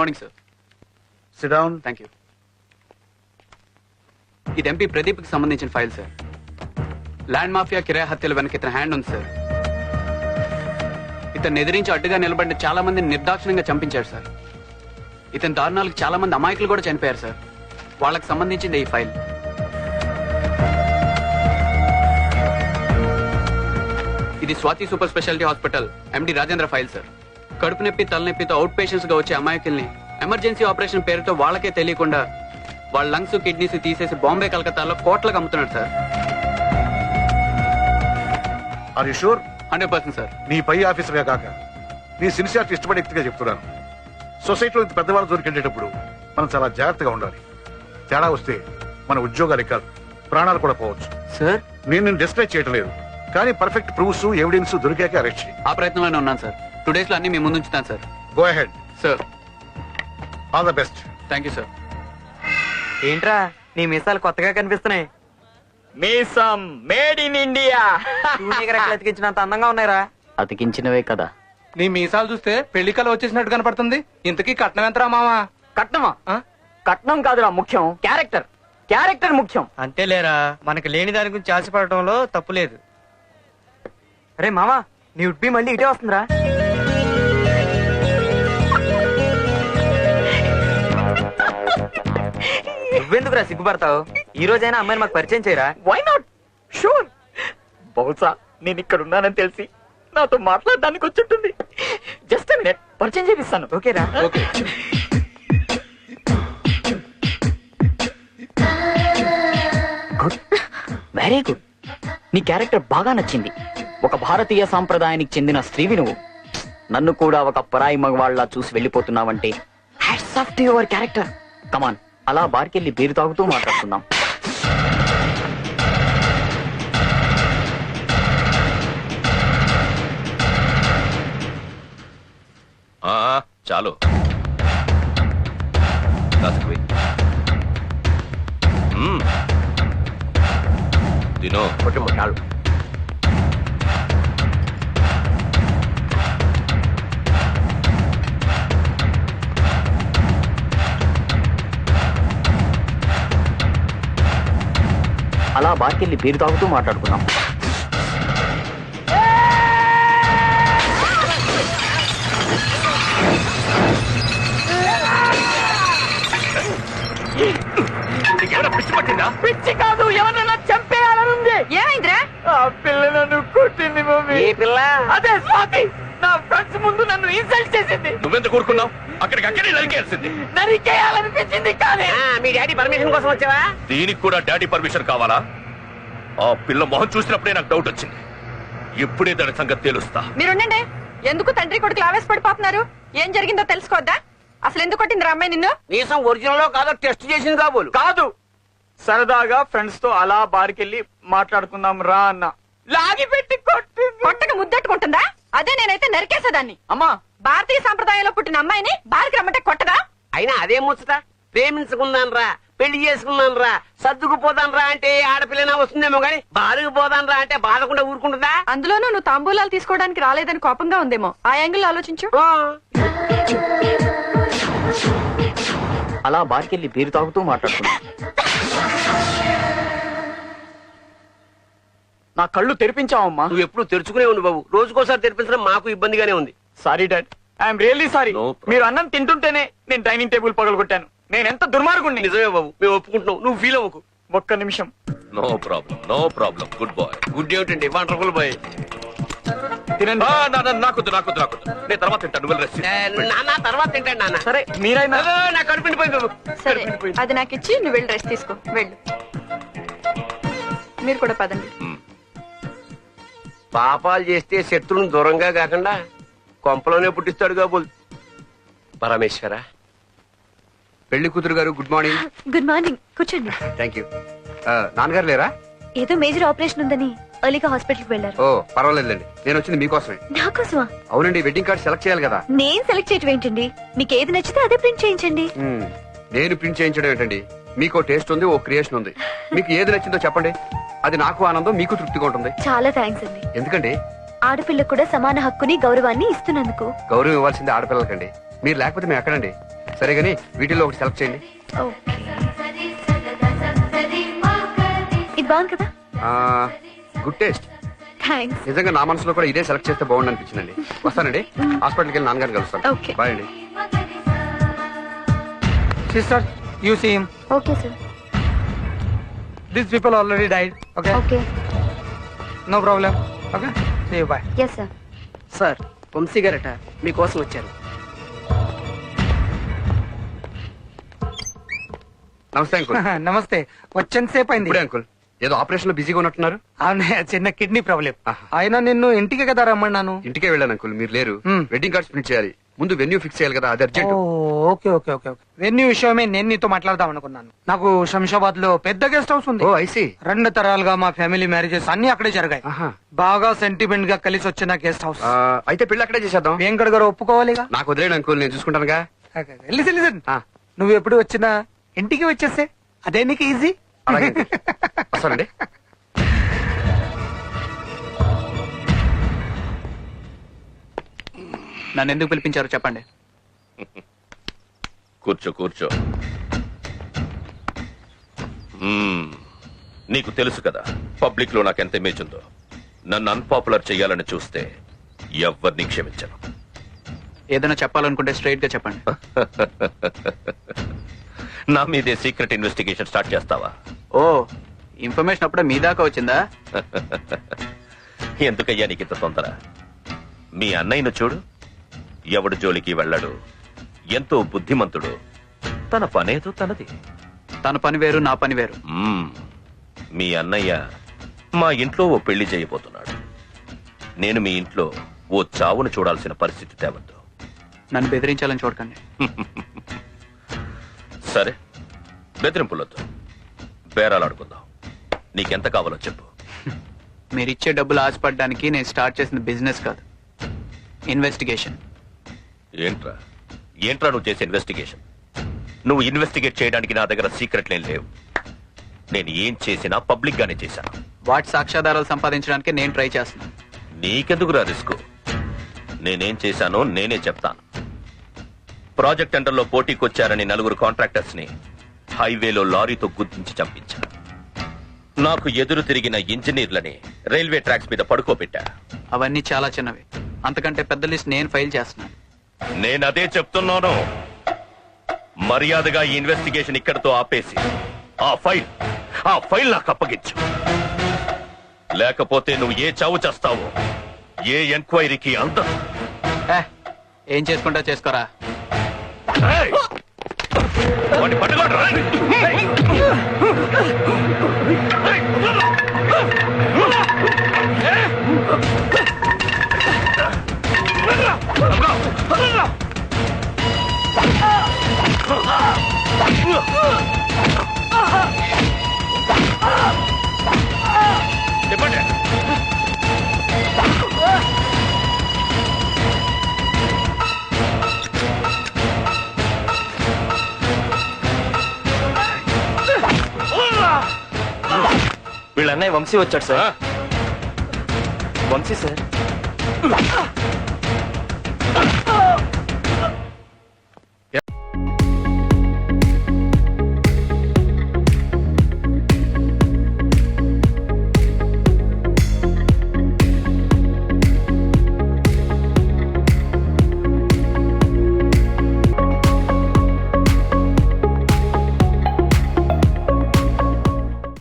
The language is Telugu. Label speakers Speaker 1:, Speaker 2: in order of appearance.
Speaker 1: Morning sir.
Speaker 2: Sit down.
Speaker 1: Thank you. ఇది ఎంపీ ప్రదీప్ కి సంబంధించిన ఫైల్ సార్. ల్యాండ్ మాఫియా కిరాయి హత్యల వెనక ఇతని హ్యాండ్ ఉంది సార్. ఇతన్ని ఎదిరించి అడ్డుగా నిలబడిన చాలా మందిని నిర్దాక్షిణ్యంగా చంపించారు సార్. ఇతని దారుణాలకు చాలా మంది అమాయకులు కూడా చనిపోయారు సార్. వాళ్ళకి సంబంధించింది ఈ ఫైల్. ఇది Swathi super speciality hospital MD Rajendra file sir. కడుపు నొప్పి తలనొప్పితో అవుట్ పేషెంట్స్ గా వచ్చే అమాయకుల్ని ఎమర్జెన్సీ ఆపరేషన్ పేరుతో వాళ్ళకే తెలియకుండా వాళ్ళ లంగ్స్ కిడ్నీస్ తీసేసి బాంబే కలకత్తాలో కోట్లకు అమ్ముతున్నాడు sir.
Speaker 2: Are you sure?
Speaker 1: 100% sir.
Speaker 2: నీ పై ఆఫీసర్గా కాక నీ సిన్సియారిటీ ఇష్టపడే వ్యక్తిగా చెప్తున్నాను. సొసైటీలో ఇంత పెద్దవాళ్ళు దొరికెళ్ళేటప్పుడు మనం చాలా జాగ్రత్తగా ఉండాలి. తేడా వస్తే మన ఉద్యోగాలు కాదు, ప్రాణాలు కూడా పోవచ్చు.
Speaker 1: సార్
Speaker 2: నేను డిస్కరేజ్ చేయటం లేదు, కానీ పర్ఫెక్ట్ ప్రూఫ్స్ ఎవిడెన్స్ దొరికాక అరెస్ట్ చేయి.
Speaker 1: ఆ ప్రయత్నంలోనే ఉన్నాను సార్. 2 days లో అన్ని మీ ముందు ఉంచుతాను sir.
Speaker 2: Go ahead
Speaker 1: sir.
Speaker 2: All the best.
Speaker 1: Thank you sir.
Speaker 3: ఏంట్రా నీ మీసాలు కొత్తగా కనిపిస్తున్నాయి.
Speaker 4: మీసం మేడ్ ఇన్ ఇండియా.
Speaker 3: రెక్కలు అతికించినంత అందంగా ఉన్నాయిరా.
Speaker 5: అతికించినవే కదా.
Speaker 6: నీ మీసాలు చూస్తే పెళ్లి కళ వచ్చేసినట్టు కనపడుతుంది. ఇంతకీ కట్నం ఎంతరా మామా?
Speaker 4: కట్నమా? కట్నం కాదురా ముఖ్యం, క్యారెక్టర్. క్యారెక్టర్ ముఖ్యం.
Speaker 3: అంతేలేరా, మనకి లేని దాని గురించి ఆశపడటంలో తప్పు లేదు. అరే మామా, నీ ఉడ్బి మళ్ళీ ఇటే వస్తుందిరా. నువ్వెందుకురా సిగ్గుపడతావు? ఈ రోజైనా అమ్మాయిని మాకు పరిచయం చేయరా.
Speaker 4: Why not? షూర్. బహుశా నేను ఇక్కడ ఉన్నానని తెలిసి నాతో మాట్లాడడానికి వచ్చుంటుంది. జస్ట్ మినిట్, పరిచయం చేపిస్తాను.
Speaker 3: ఓకేరా?
Speaker 1: ఓకే.
Speaker 5: Good, very good. నీ క్యారెక్టర్ బాగా నచ్చింది. ఒక భారతీయ సాంప్రదాయానికి చెందిన స్త్రీవి నువ్వు. నన్ను కూడా ఒక పరాయి మగవాళ్ళ చూసి వెళ్ళిపోతున్నావంటే hats off to your character. Come on, అలా బార్కెళ్ళి బీరు తాగుతూ మాట్లాడుకుందాం.
Speaker 7: చాలు తినో చాలు.
Speaker 5: అలా బార్కెళ్ళి బీరు తాగుతూ మాట్లాడుకుందాం.
Speaker 4: పిచ్చి కాదు, ఎవరన్నా చంపేయాలనుంది.
Speaker 8: ఏమైందిరా?
Speaker 4: ఆ పిల్ల నన్ను కొట్టింది మమ్మీ.
Speaker 3: ఏ పిల్ల?
Speaker 4: అదే స్వాతి. నా ఫ్రెండ్స్ ముందు నన్ను ఇన్సల్ట్ చేసింది.
Speaker 7: నువ్వెంత కూరుకున్నావు? అక్కడికక్కడే నరికేయాల్సింది.
Speaker 4: నరికేయాలనిపించింది కానీ.
Speaker 3: మీ డాడీ పర్మిషన్ కోసం వచ్చావా?
Speaker 7: దీనికి కూడా డాడీ పర్మిషన్ కావాలా? ఆ పిల్ల మొహం చూసినప్పుడే నాకు డౌట్ వచ్చింది. ఇప్పుడే దాని సంగతి తెలుస్తా.
Speaker 8: మీరుండండి. ఎందుకు తండ్రి కొడుకులు ఆవేశపడిపోతున్నారు? ఏం జరిగిందో తెలుసుకోవద్దా? అసలు ఎందుకు కొట్టింది అమ్మాయి నిన్ను?
Speaker 3: నీసం ఒరిజినల్ కాదో టెస్ట్ చేసింది కాబోలు.
Speaker 4: కాదు, సరదాగా ఫ్రెండ్స్ తో అలా బార్కెళ్ళి మాట్లాడుకుందాం రా అన్న. లాగి పెట్టి కొట్టింది.
Speaker 8: కొట్టక ముద్దట్టుకుంటుందా? అదే నేనైతే నరికేసేదాన్ని.
Speaker 4: అమ్మా,
Speaker 8: భారతీయ సంప్రదాయంలో పుట్టిన అమ్మాయిని బారికి రమ్మంటే కొట్టదా?
Speaker 3: అయినా అదే ముచ్చట. ప్రేమించుకున్నాను రా, పెళ్లి చేసుకున్నాను రా, సర్దుకుపోదాను రా అంటే ఆడపిల్లనా వస్తుందేమో గానీ బాధకు పోదాను రా అంటే బాధకుండా ఊరుకుంటుందా?
Speaker 8: అందులోనూ నువ్వు తాంబూలాలు తీసుకోవడానికి రాలేదని కోపంగా ఉందేమో. ఆ యాంగిల్ ఆలోచించు.
Speaker 5: అలా బార్కెళ్ళి బీరు తాగుతూ మాట్లాడుకుందాం.
Speaker 4: నా కళ్ళు తెరిపించావమ్మా.
Speaker 3: నువ్వు ఎప్పుడు తెరుచుకునే ఉండు బాబు. రోజుకోసారి తెరిపించడం మాకు ఇబ్బందిగానే ఉంది.
Speaker 4: Sorry dad, I'm really sorry.
Speaker 7: No problem.
Speaker 4: మీరు అన్నం తింటుంటేనే నేను డైనింగ్ టేబుల్ పగలగొట్టాను. నేను ఎంత దుర్మార్గుణ్ణి.
Speaker 3: నిజమే బాబు, మేము ఒప్పుకుంటున్నాం. నువ్వు ఫీల్ అవ్వకు.
Speaker 4: ఒక్క నిమిషం.
Speaker 7: No problem, no problem. Good boy.
Speaker 3: Good ఏమిటండి, వండర్ఫుల్ బాయ్.
Speaker 4: తినండి.
Speaker 7: నాకొద్దు. నేను తర్వాత తింటాను. నువ్వు రెస్ట్ తీసుకో.
Speaker 3: నాన్న తర్వాత తింటాను నాన్న.
Speaker 4: సరే మీరైనా.
Speaker 3: నా కడుపుండిపోయింది బాబు.
Speaker 8: సరే, అది నాకు ఇచ్చి నువ్వు వెళ్ళి రెస్ట్ తీసుకో. వెళ్ళు. మీరు కూడా పదండి.
Speaker 3: పాపాలు చేస్తే శత్రువుని దూరంగా కాకుండా కొంపలోనే పుట్టిస్తాడు కాబోలు. పరమేశ్వర.
Speaker 1: పెళ్లి కూతురు గారు, గుడ్ మార్నింగ్.
Speaker 9: గుడ్ మార్నింగ్, కూర్చోండి.
Speaker 1: Thank you. నాన్నగారు లేరా?
Speaker 9: ఏదో మేజర్ ఆపరేషన్ ఉందని ఎర్లీగా హాస్పిటల్కి వెళ్ళారు.
Speaker 1: ఓ పర్వాలేదులేండి, నేను వచ్చింది మీకోసమే.
Speaker 9: నాకోసమా?
Speaker 1: అవునండి, వెడ్డింగ్ కార్డ్ సెలెక్ట్ చేయాలి కదా.
Speaker 9: నేను సెలెక్ట్ చేయటం ఏంటండి? మీకు ఏది నచ్చితే అదే ప్రింట్ చేయించండి.
Speaker 1: నేను ప్రింట్ చేయించడం ఏంటండి? మీకు టేస్ట్ ఉంది, ఓ క్రియేషన్ ఉంది. మీకు ఏది నచ్చిందో చెప్పండి. అది నాకు ఆనందం, మీకు తృప్తిగా ఉంటుంది.
Speaker 9: చాలా థ్యాంక్స్ అండి.
Speaker 1: ఎందుకండి?
Speaker 9: ఆడపిల్లకు కూడా సమాన హక్కుని గౌరవాన్ని ఇస్తున్నందుకు.
Speaker 1: గౌరవం ఇవ్వాల్సింది ఆడపిల్లలకండి. మీరు లేకపోతే మేము ఎక్కడండి?
Speaker 10: సరే గానీ వీటిల్లో ఒకటి సెలెక్ట్ చేయండి.
Speaker 9: ఓకే, ఇది బాగుంది కదా.
Speaker 10: Good taste.
Speaker 9: థ్యాంక్స్.
Speaker 10: నిజంగా నా మనసులో కూడా ఇదే సెలెక్ట్ చేస్తే బాగుంది అనిపించిందండి. వస్తానండి, హాస్పిటల్కి వెళ్ళి నాన్నగారిని కలుస్తాను.
Speaker 9: Okay.
Speaker 10: బాయ్ అండి.
Speaker 6: Sister you see him.
Speaker 9: Okay sir.
Speaker 6: This people already died. Okay,
Speaker 9: okay.
Speaker 6: No problem. Okay, see you, bye.
Speaker 9: Yes sir.
Speaker 3: Sir Vamsi గారట మీకోసం వచ్చారు.
Speaker 10: నమస్తే అంకుల్.
Speaker 6: నమస్తే. వచ్చేంత సేపు అయింది.
Speaker 10: ఇప్పుడే అంకుల్, ఏదో ఆపరేషన్ లో బిజీగా ఉన్నట్టున్నారు.
Speaker 6: అవునే, చిన్న కిడ్నీ ప్రాబ్లం. అయినా నిన్ను ఇంటికి కదా రమ్మన్నాను.
Speaker 10: ఇంటికే వెళ్ళాను అంకుల్, మీరు లేరు.
Speaker 6: Hmm.
Speaker 10: వెడ్డింగ్ కార్డ్స్ ప్రింట్ చేయాలి, ముందు వెన్యూ ఫిక్స్ చేయాలి కదా, అది urgent.
Speaker 6: Okay okay okay okay. Venue విషయమే నేను నీతో మాట్లాడదాం అనుకున్నాను. నాకు శంషాబాద్ లో పెద్ద గెస్ట్ హౌస్ ఉంది.
Speaker 10: ఓ ఐసీ.
Speaker 6: 2 తరాలుగా మా ఫ్యామిలీ మ్యారేజెస్ అన్ని అక్కడే జరిగాయి. బాగా సెంటిమెంట్ గా కలిసి వచ్చిన గెస్ట్ హౌస్.
Speaker 10: అయితే పెళ్లి అక్కడే చేసేద్దాం.
Speaker 6: వెంకట గారు ఒప్పుకోవాలిగా.
Speaker 10: నాకు వదిలేడు అంకుల్, నేను చూసుకుంటానుగా.
Speaker 6: లిసన్, నువ్వు ఎప్పుడు వచ్చినా ఇంటికి వచ్చేస్తే అదే నీకు ఈజీ.
Speaker 10: అలాగే uncle. వస్తానండి.
Speaker 1: నన్ను ఎందుకు పిలిపించారో చెప్పండి.
Speaker 7: కూర్చో కూర్చో. నీకు తెలుసు కదా పబ్లిక్ లో నాకెంత ఇమేజ్ ఉందో. నన్ను అన్పాపులర్ చెయ్యాలని చూస్తే ఎవరిని క్షమించను.
Speaker 1: ఏదైనా చెప్పాలనుకుంటే స్ట్రైట్ గా చెప్పండి.
Speaker 7: నా మీదే సీక్రెట్ ఇన్వెస్టిగేషన్ స్టార్ట్ చేస్తావా?
Speaker 1: ఓ, ఇన్ఫర్మేషన్ అప్పుడే మీ దాకా వచ్చిందా?
Speaker 7: ఎందుకయ్యా నీకు ఇంత తొందర? మీ అన్నయ్యను చూడు, ఎవడు జోలికి వెళ్ళాడు, ఎంతో బుద్ధిమంతుడు, తన పనేదో తనది.
Speaker 1: తన పని వేరు, నా పని వేరు.
Speaker 7: మీ అన్నయ్య మా ఇంట్లో ఓ పెళ్లి చేయబోతున్నాడు. నేను మీ ఇంట్లో ఓ చావును చూడాల్సిన పరిస్థితి తేవద్దు.
Speaker 1: నన్ను బెదిరించాలని చూడకండి.
Speaker 7: సరే, బెదిరింపులొద్దు, బేరాలాడుకుందాం. నీకెంత కావాలో చెప్పు.
Speaker 1: మీరిచ్చే డబ్బులు ఆశపడడానికి నేను స్టార్ట్ చేసిన బిజినెస్ కాదు, ఇన్వెస్టిగేషన్.
Speaker 7: ఏంట్రా ఏంట్రా నువ్వు చేసే ఇన్వెస్టిగేషన్? నువ్వు ఇన్వెస్టిగేట్ చేయడానికి నా దగ్గర సీక్రెట్లేం లేవు. నేను ఏం చేసినా పబ్లిక్ గానే చేశాను.
Speaker 1: వాటి సాక్ష్యాధారాలు సంపాదించడానికి నేను ట్రై చేస్తున్నాను.
Speaker 7: నీకెందుకురా రిస్క్? నేనేం చేశానో నేనే చెప్తాను. ప్రాజెక్ట్ టెండర్లో పోటీకొచ్చారని 4 కాంట్రాక్టర్స్ ని హైవేలో లారీతో గుద్దించి చంపించాను. నాకు ఎదురు తిరిగిన ఇంజనీర్లని రైల్వే ట్రాక్స్ మీద పడుకోబెట్టా.
Speaker 1: అవన్నీ చాలా చిన్నవి, అంతకంటే పెద్ద లిస్ట్ నేను ఫైల్ చేస్తున్నాను.
Speaker 7: నేనదే చెప్తున్నాను. మర్యాదగా ఈ ఇన్వెస్టిగేషన్ ఇక్కడితో ఆపేసి ఆ ఫైల్ నాకు అప్పగించు. లేకపోతే నువ్వు ఏ చావు చేస్తావో ఏ ఎంక్వైరీకి అందదు.
Speaker 1: ఏం చేసుకుంటా చేసుకోరా.
Speaker 7: వాడిని పట్టుకోండి. చెప్పండి.
Speaker 4: వీళ్ళ అన్నయ్య వంశీ వచ్చాడు సార్. వంశీ సార్.